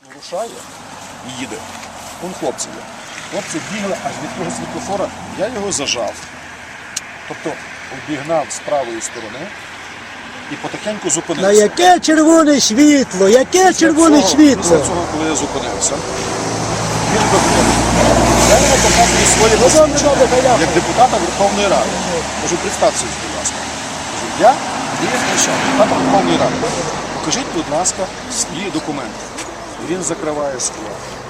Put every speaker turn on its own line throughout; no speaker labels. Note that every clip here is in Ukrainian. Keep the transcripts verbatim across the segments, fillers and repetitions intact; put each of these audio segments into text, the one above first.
Рушає і їде. Вон хлопці є. Хлопці бігли аж від того світлофора, я його зажав. Тобто обігнав з правої сторони і потихеньку зупинився.
На яке червоне світло? Яке червоне
цього,
світло?
Після цього, коли я зупинився, він виходить. Я йому показую своє посвідчення як депутата Верховної Ради. Кажу, представтеся, будь ласка. Кажу, я Андрій Євгенович, депутат Верховної Ради. Покажіть, будь ласка, свої документи. Він закриває скло.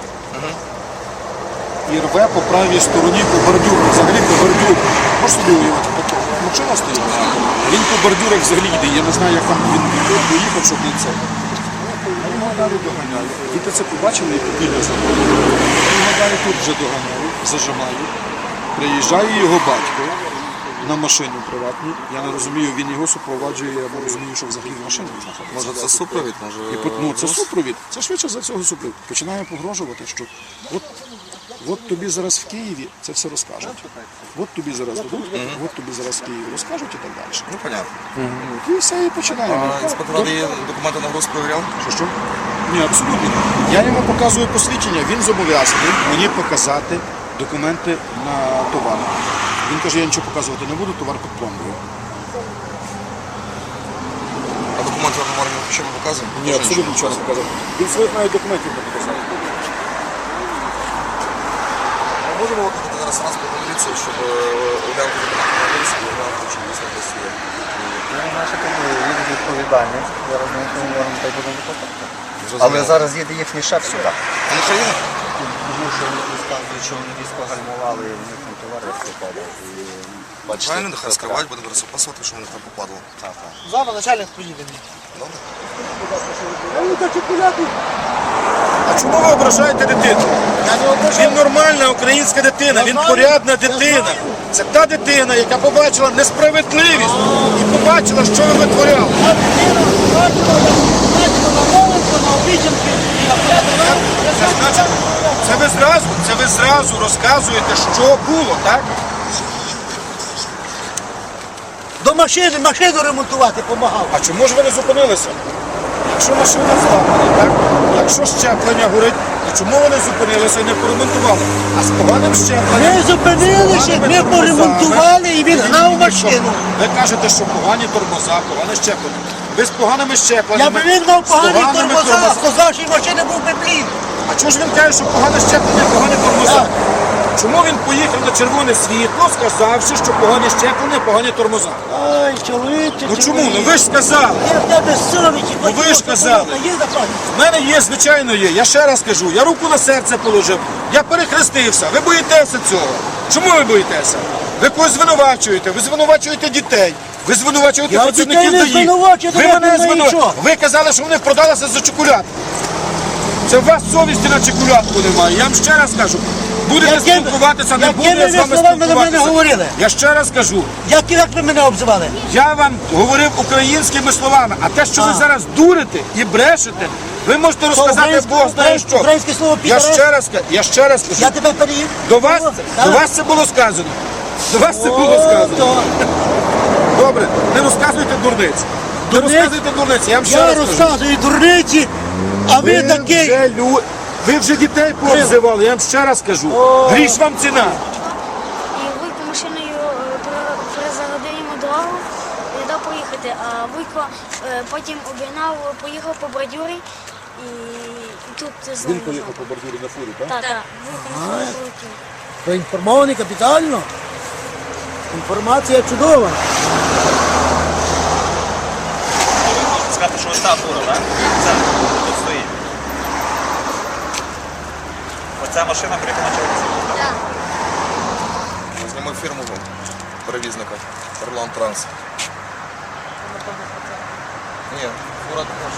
І рве по правій стороні по бордюру, взагалі по бордюру. Можеш собі уявити, машина стоїть. Він по бордюрах взагалі йде. Я не знаю, як там він доїхав, щоб він це. Я його далі доганяю. Діти це побачили і побігли за мною. Я його далі тут вже доганяю, зажимаю. Приїжджає його батько на машині приватній. Я не розумію, він його супроводжує, я не розумію, що взагалі в машині знаходиться.
Може це супровід? Може...
І, ну, це супровід. Це швидше за цього супровід. Починає погрожувати, що от, от тобі зараз в Києві це все розкажуть. От тобі зараз дадуть, от тобі зараз в Києві розкажуть і так далі.
Ну, понятно.
І все, і починаємо.
А інспектор ради документи на груз перевіряв?
Що, що? Ні, абсолютно. Я йому показую посвідчення, він зобов'язаний мені показати документи на товар. Він каже, я нічого показувати не буду, товар під пломбою.
А документи на товар що ми показуємо?
Ні, абсолютно нічого не показав. Він своїх навіть документів не показав.
Ми можемо викликати зараз транспортну міліцію, щоб оглянути документи на груз і оглянути, чи дійсно десь є.
Наша їде відповідальність, зараз ми не можемо та й будемо викликати. Але зараз їде їхній шеф сюди.
А не країна?
Тому що вони розказують, що вони різко гальмували, і в них там товариство падав. Бачите,
Правильно, нехай скривають, будемо зараз опасувати, що вони там попадало.
Так, так. Зараз начальник поїде.
Добре?
А чому ви ображаєте дитину? Він нормальна українська дитина, він порядна дитина. Це та дитина, яка побачила несправедливість і побачила, що ви витворяли. Це значить, це ви зразу, це ви зразу розказуєте, що було, так?
До машини, машину ремонтувати допомагав.
А чому ж ви не зупинилися? Якщо машина зламана, так? Якщо щеплення горить, то чому ви не зупинилися і не поремонтували? А з поганим щепленням...
Ми зупинилися, ми поремонтували і він гнав машину.
Ви кажете, що погані тормоза, погане щеплення. Ви з поганими
Я
щепленнями...
би він гнав
з
погані
поганими
тормоза,
тормоз-
сказавши машини був би плін.
А чому ж він каже, що погане щеплення, погані тормоза? Чому він поїхав на червоне світло, сказавши, що погані щеплення, погані тормоза?
Ой, чоловіче,
Ну чому? Ну ви ж сказали.
Я в тебе совісті.
Ну ви ж сказали.
Є запас.
В мене є, звичайно є. Я ще раз кажу, я руку на серце положив, я перехрестився. Ви боїтеся цього. Чому ви боїтеся? Ви когось звинувачуєте, ви звинувачуєте дітей, ви звинувачуєте
Я
працівників
дітей не
ДАІ.
звинувачую,
Ви
я
мене
не знаю
звинувачуєте.
нічого.
Ви казали, що вони продалися за чоколад. Це в вас совісті на чоколядку немає. Я вам ще раз кажу. Будете
Якими-
спілкуватися, не буду
якими
я з
ви
вами
словами до мене
спілкуватися.
говорили?
Я ще раз кажу.
Як, як ви мене обзивали?
Я вам говорив українськими словами, а те, що ви
А.
зараз дурите і брешете, ви можете розказати
українське-
Бог знає що.
українське слово
Я
«підарець»?
ще раз, ка- я ще раз кажу,
Я тебе переїв.
до вас, до вас це було сказано. До вас це було сказано. Добре, не розказуйте дурниць. Не
Дурниць?
розказуйте дурниць, я вам ще
Я
раз кажу.
розказую дурниці, а ви
Ви
такий.
вже, лю... ви вже дітей пообзивали, я вам ще раз кажу. Гріш вам ціна.
І Вуйко машиною е, пере- перезагодив йому дорогу, не дав поїхати, а Вуйко е, потім обігнав, поїхав по бордюрі і, і тут знову.
по бордюрі на фурі, так?
Так, так, Вуйко на фурі полетів.
Проінформований капітально. Інформація чудова.
Можна сказати, що ось та фура, так? Це тут стоїть. Оця машина, про яку почалася.
Так.
Зніми фірму перевізника. Орлан Транс. Ні, фура також.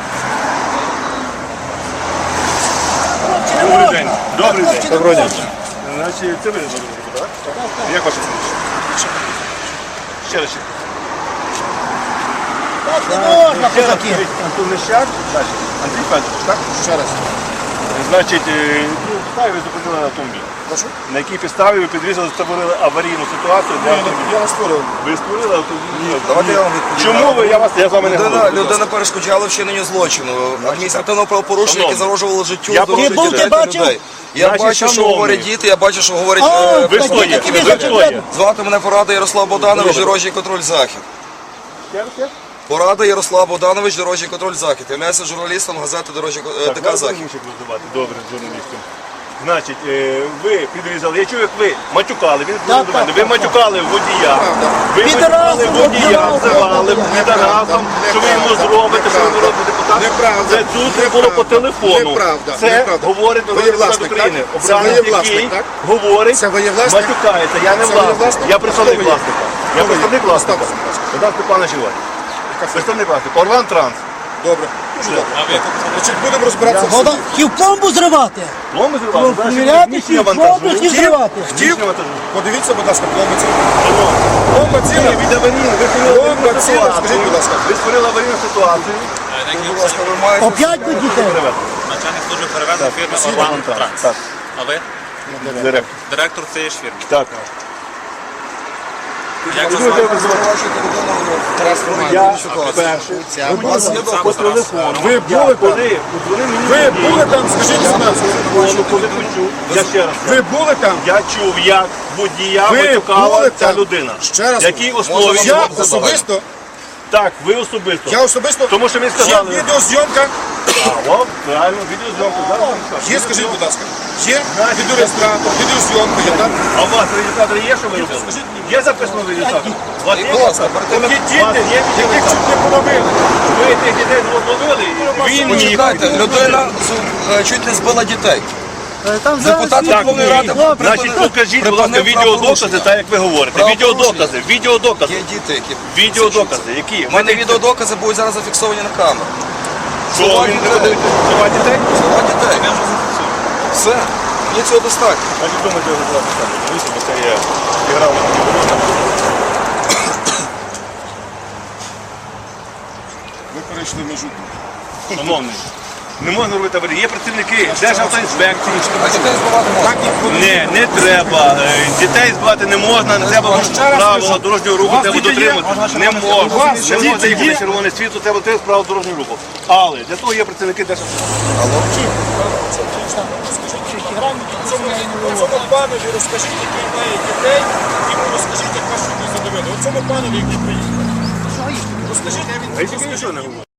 Добрий день. Добрий день. Доброго дня. Значить, це ви зробили, так? Як ваше прізвище? Ще раз.
Так не можна,
Ще раз.
козаки.
Антон Лещак, далі. Андрій Федорович, так?
Ще раз.
Значить, е, ну, підставі ви зупинили на автомобіль.
Прошу?
На якій підставі ви підрізали, створили аварійну ситуацію для автомобіля?
Я не створив.
Ви створили автомобіль?
Давайте я вам відповім.
Чому ви, я вас, я з вами не
Людина,
говорю.
людина перешкоджала вчиненню злочину, адміністративного правопорушення, яке
Шановний,
загрожувало життю,
я
здоров'ю
Ти був, ти
дітей та
бачив?
людей. Я
Значить,
бачу, що
шановний.
говорять діти, я бачу, що говорять
А,
е,
Ви хто є?
які
тобі
ви
Ви
зачем
хто є?
Звати мене Порада Ярослав Богданович, дорожній контроль Захід. Порада Ярослав Богданович, дорожній контроль Захід. Являюся журналістом газети «Дорожній е,
Так,
ТК
вас
Захід.
раніше називати добре журналістом. Значить, е, ви підрізали, я чую, як ви матюкали, він
Так,
до мене.
так,
Ви
так,
матюкали водія. Ви
Підарасом,
матюкали водія,
обзивали.
обзивали підарасом, що ви йому зробите, що ви народний депутат.
Неправда.
Це тут було по телефону.
Неправда.
Це
Неправда.
говорить
Ви є
народний депутат
власник,
України.
так? Це ви є
Обранець,
власник,
який
так?
говорить,
Це ви є власник?
матюкається. Я не
Це ви є
власник.
власник?
Я представник
Хто ви є?
власника.
Хто
Я
ви є?
представник власника.
Представте, будь ласка.
Богдан Степанович Іван. Представник власника. Орван Транс.
Добре. Дуже добре. Значить, будемо розбиратися.
Вода хотів пломбу зривати.
Пломби зривали.
Перевіряти,
Місія
хотів
вантажу.
пломбу хотів зривати.
Хотів?
вантажу.
Подивіться, будь ласка, пломба ціла. Пломба ціла.
Від аварійну, ви створили
Пломба
аварійну
ціла,
ситуацію.
скажіть, будь ласка.
Ви створили аварійну ситуацію.
Будь ласка, ви маєте...
Оп'ять би дітей.
Начальник служби перевезень фірми Орван Транс.
Так,
А ви?
директор.
Директор цієї ж фірми.
Так.
Як
Ви
вас
дуже
звати?
Звинувачуєте людину в
Я
ситуацію.
перший.
У вас є
По телефону.
Ви були там?
Коли подзвонив мені
Ви
водій,
були там, скажіть, будь ласка.
телефону, коли почув, я ще раз.
Ви були там?
Я чув, як водія
Ви
матюкала
були
ця
там?
людина.
Ще раз.
Якій основі
Я
його
особисто,
Так, ви особисто.
я особисто,
Тому що ви
є
сказали.
відеозйомка,
А, о, правильно, відеозйомку. Зараз вам скажу.
є, скажіть, будь ласка, є відеореєстратор, відеозйомка, є так?
А у вас реєстратор є, що ви робили? Є записано в реєстратор? У вас є?
Будь ласка, перед тим,
Ті
як...
діти,
У вас є
яких
відеореєстратор?
чуть не половили.
Ви тих дітей зловили? Він міг.
Почекайте, людина з- е, чуть не збила дітей.
Там
Депутат
зараз
Верховної Ради
Добре.
Значить, покажіть, будь ласка,
припинив
відеодокази,
правопорушення.
так як ви говорите.
Правопорушення.
Відеодокази, відеодокази.
Є діти, які...
Відеодокази, які?
У мене відеодокази будуть зараз зафіксовані на камеру.
Що він не видає права дітей?
Слова дітей. Все. Мені цього достатньо.
Значить, думайте, його зараз саме. Дивіться, бо це є іграв на відеодокази.
Ви перейшли межу.
Шановний, не можна робити аварії. Є працівники Державтоінспекції.
А дітей збивати можна.
Не, не треба. Е, Дітей збивати не можна, не треба правила дорожнього руху, треба дотримуватися. Не можна. Не можна їхати червоне світло, треба дотримуватися правил дорожнього руху. Але для того є працівники Державтоінспекції.
Цьому панові розкажіть, який має дітей, йому розкажіть, як вас сюди задовели. Оцьому панові, який приїхав. Розкажіть, а він
А я тільки нічого не говорю.